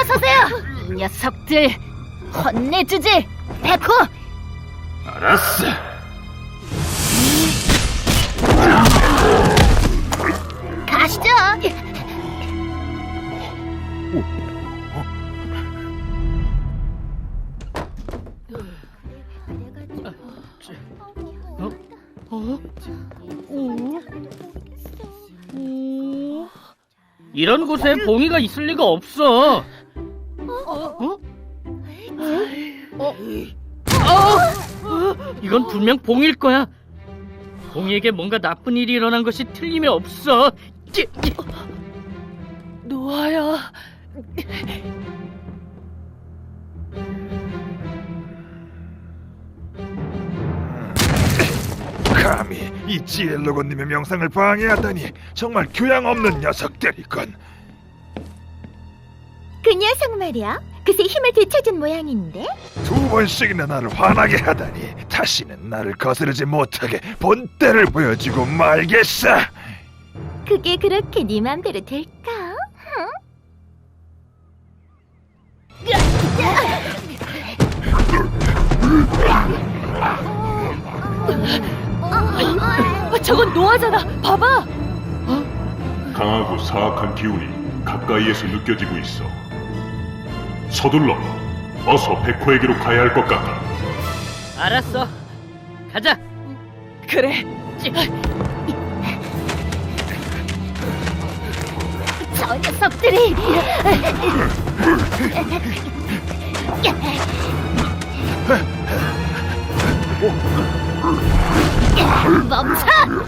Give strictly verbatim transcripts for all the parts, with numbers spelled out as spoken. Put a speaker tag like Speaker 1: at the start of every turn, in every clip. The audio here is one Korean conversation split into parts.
Speaker 1: 물러서세요! 이 녀석들 혼내주지! 백호!
Speaker 2: 알았어.
Speaker 1: 가시죠!
Speaker 3: 이런 곳에 봉이가 있을 리가 없어. 어? 어? 어? 이건 분명 봉일 거야. 봉이에게 뭔가 나쁜 일이 일어난 것이 틀림이 없어.
Speaker 4: 노아야.
Speaker 2: 감히 이 지엘로건님의 명상을 방해하다니 정말 교양 없는 녀석들이군.
Speaker 1: 그 녀석 말이야. 그새 힘을 되찾은 모양인데.
Speaker 2: 두 번씩이나 나를 화나게 하다니 다시는 나를 거스르지 못하게 본때를 보여주고 말겠어.
Speaker 1: 그게 그렇게 네 맘대로 될까? 응?
Speaker 4: 아, 저건 노아잖아. 봐봐.
Speaker 5: 강하고 사악한 기운이 가까이에서 느껴지고 있어. 서둘러. 어서 백호에게로 가야 할 것 같다.
Speaker 3: 알았어. 가자.
Speaker 4: 그래.
Speaker 1: 저 녀석들이 멈춰!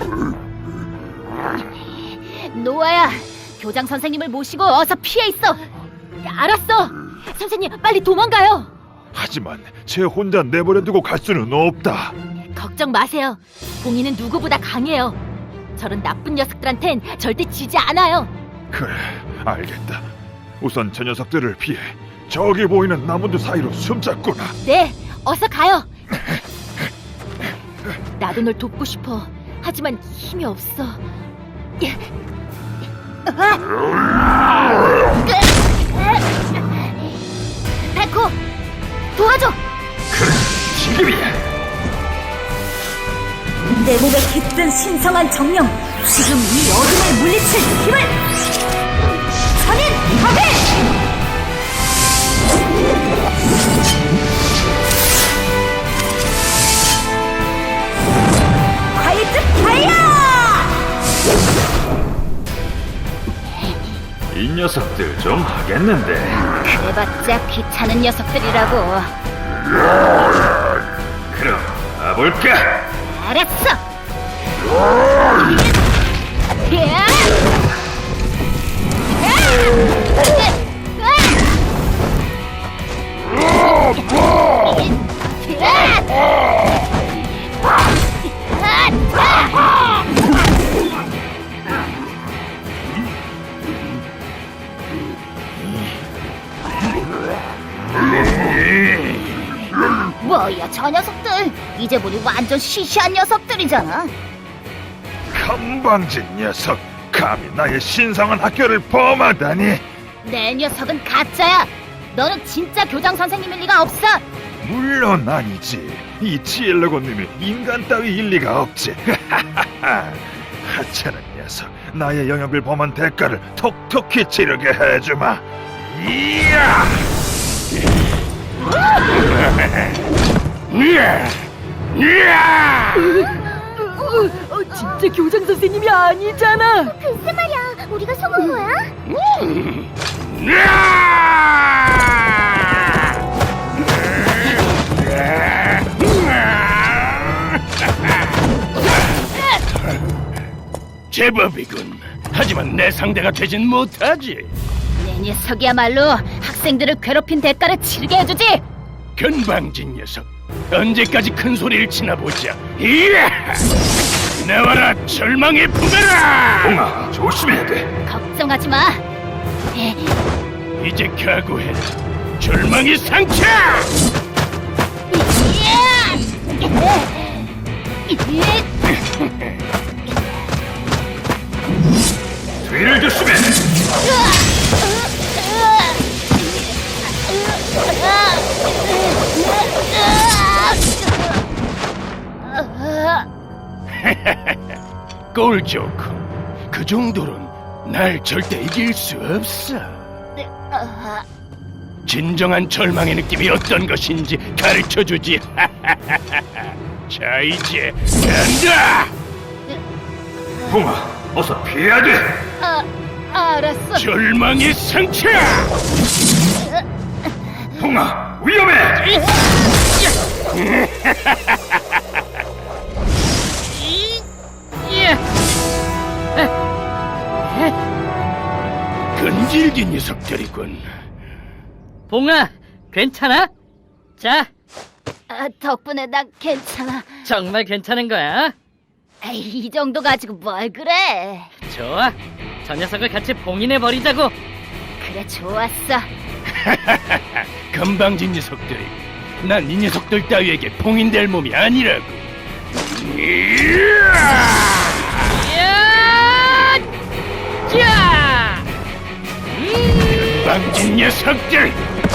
Speaker 1: 노아야, 교장 선생님을 모시고 어서 피해 있어. 알았어. 선생님, 빨리 도망가요.
Speaker 2: 하지만 쟤 혼자 내버려두고 갈 수는 없다.
Speaker 1: 걱정 마세요. 봉이는 누구보다 강해요. 저런 나쁜 녀석들한텐 절대 지지 않아요.
Speaker 2: 그래, 알겠다. 우선 저 녀석들을 피해 저기 보이는 나무들 사이로 숨잡구나.
Speaker 1: 네, 어서 가요. 나도 널 돕고 싶어. 하지만 힘이 없어. 백호, 도와줘.
Speaker 2: 지금이야.
Speaker 1: 내 몸에 깃든 신성한 정령, 지금 이 어둠을 물리칠 힘을! 선인 파괴! 화이트 파이어!
Speaker 2: 이 녀석들 좀 하겠는데.
Speaker 1: 그래봤자 귀찮은 녀석들이라고.
Speaker 2: 그럼 가볼까?
Speaker 1: 알았어! 야! 뭐야, 저 녀석들. 이제 보니 완전 시시한 녀석들이잖아.
Speaker 2: 건방진 녀석, 감히 나의 신성한 학교를 범하다니.
Speaker 1: 내 녀석은 가짜야. 너는 진짜 교장 선생님일 리가 없어.
Speaker 2: 물론 아니지. 이 지엘로곤님이 인간 따위 일리가 없지. 하찮은 녀석, 나의 영역을 범한 대가를 톡톡히 치르게 해주마. 이야! 이야! 이야!
Speaker 4: 어, 어, 진짜 교장 선생님이 아니잖아.
Speaker 1: 글쎄 말이야, 우리가 속은 거야?
Speaker 6: 제법이군. 하지만 내 상대가 되진 못하지.
Speaker 1: 내 녀석이야말로 학생들을 괴롭힌 대가를 치르게 해주지.
Speaker 6: 건방진 녀석. 언제까지 큰 소리를 치나 보자. 이야! 나와라, 절망의 부메라!
Speaker 2: 봉아, 조심해야 돼.
Speaker 1: 걱정하지 마.
Speaker 6: 이제 각오해라. 절망의 상처!
Speaker 2: 뒤를 조심해.
Speaker 6: 꼴 좋고 그 정도론 날 절대 이길 수 없어. 진정한 절망의 느낌이 어떤 것인지 가르쳐주지. 자, 이제 간다.
Speaker 2: 봉아, 어서 피해야 돼.
Speaker 1: 아, 알았어.
Speaker 6: 절망의 상처.
Speaker 2: 봉아, 위험해.
Speaker 6: 끈질긴 녀석들이군.
Speaker 3: 봉아, 괜찮아? 자,
Speaker 1: 아, 덕분에 나 괜찮아.
Speaker 3: 정말 괜찮은 거야?
Speaker 1: 에이, 이 정도 가지고 뭘 그래?
Speaker 3: 좋아, 저 녀석을 같이 봉인해 버리자고.
Speaker 1: 그래, 좋았어.
Speaker 6: 건방진 녀석들이. 난 이 녀석들 따위에게 봉인될 몸이 아니라고.
Speaker 3: 야! 자!
Speaker 6: 건방진 녀석들.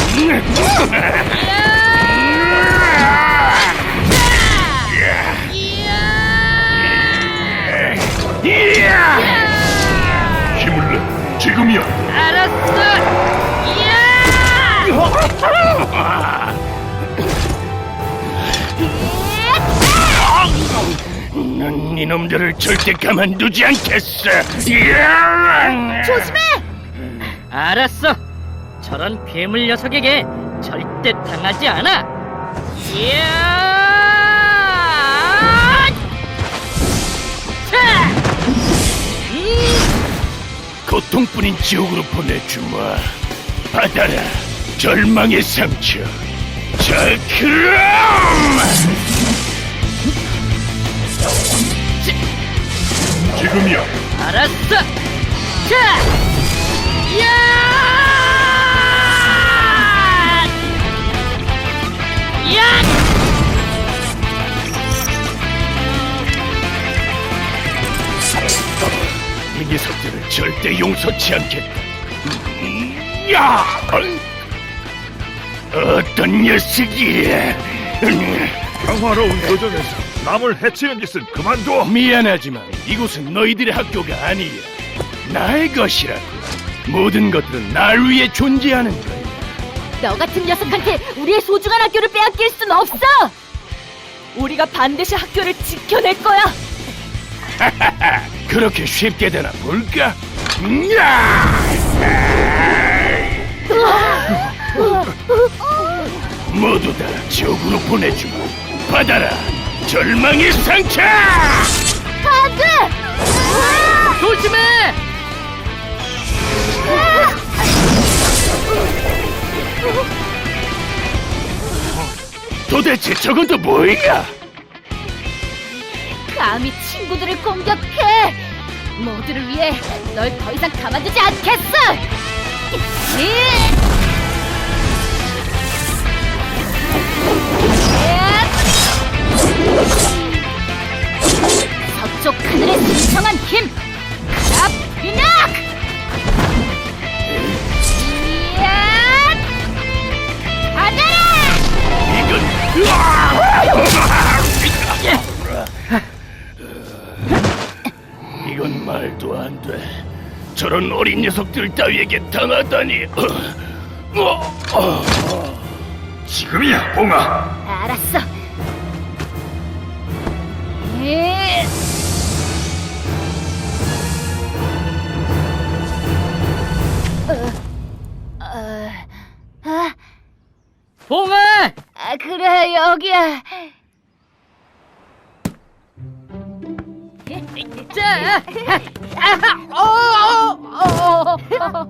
Speaker 5: 힘을 내. 지금이야.
Speaker 3: 알았어.
Speaker 6: 난 이놈들을 절대 가만두지 않겠어.
Speaker 1: 조심해!
Speaker 3: 알았어. 저런 괴물 녀석에게 절대 당하지 않아. 이야! 자! 음!
Speaker 6: 고통뿐인 지옥으로 보내주마. 받아라, 절망의 상처. 자, 그럼!
Speaker 5: 지금이야.
Speaker 3: 알았어. 자! 야! 야!
Speaker 6: 이 녀석들을 절대 용서치 않겠다. 음, 야! 어떤 녀석이야? 음,
Speaker 2: 평화로운 도정에서 남을 해치는 짓은 그만둬.
Speaker 6: 미안하지만 이곳은 너희들의 학교가 아니야. 나의 것이라고. 모든 것들은 날 위해 존재하는 거야.
Speaker 1: 너 같은 녀석한테 우리의 소중한 학교를 빼앗길 순 없어! 우리가 반드시 학교를 지켜낼 거야!
Speaker 6: 그렇게 쉽게 되나 볼까? 음, 야! 모두 다 지옥으로 보내주고 받아라, 절망의 상처!
Speaker 1: 안 돼!
Speaker 3: 조심해!
Speaker 6: 도대체 저건 또 뭐야?
Speaker 1: 감히 친구들을 공격해! 모두를 위해 널 더 이상 가만두지 않겠어! 서쪽 하늘의 신성한 힘! 카라피낙! 받아라!
Speaker 6: 이건 이건 말도 안 돼. 저런 어린 녀석들 따위에게 당하다니. 어, 어, 어.
Speaker 2: 지금이야, 봉아.
Speaker 1: 알았어. 예. 어, 어, 아,
Speaker 3: 봉아!
Speaker 1: 아, 그래, 여기야.
Speaker 3: 자! 아하! 어! 어! 어!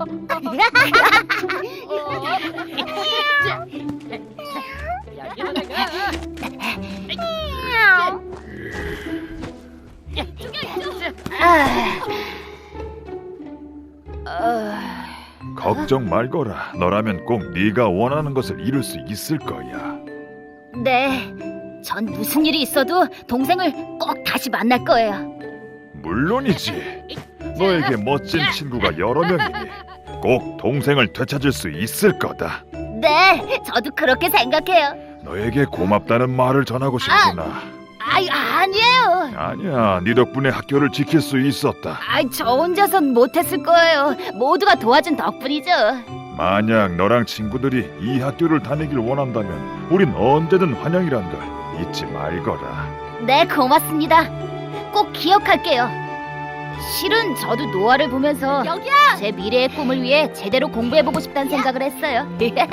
Speaker 2: 걱정 말거라. 너라면 꼭 네가 원하는 것을 이룰 수 있을 거야.
Speaker 1: 네, 전 무슨 일이 있어도 동생을 꼭 다시 만날 거예요.
Speaker 2: 물론이지. 너에게 멋진 친구가 여러 명이니 꼭 동생을 되찾을 수 있을 거다.
Speaker 1: 네, 저도 그렇게 생각해요.
Speaker 2: 너에게 고맙다는 말을 전하고 싶구나.
Speaker 1: 아이, 아니에요.
Speaker 2: 아니야, 네 덕분에 학교를 지킬 수 있었다.
Speaker 1: 아이, 저 혼자선 못했을 거예요. 모두가 도와준 덕분이죠.
Speaker 2: 만약 너랑 친구들이 이 학교를 다니길 원한다면 우린 언제든 환영이란 걸 잊지 말거라.
Speaker 1: 네, 고맙습니다. 꼭 기억할게요. 실은 저도 노아를 보면서 여기야! 제 미래의 꿈을 위해 제대로 공부해보고 싶다는 생각을 했어요.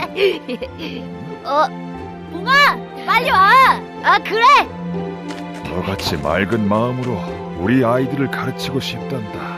Speaker 1: 어, 붕아, 빨리 와! 아, 그래!
Speaker 2: 너같이 맑은 마음으로 우리 아이들을 가르치고 싶단다.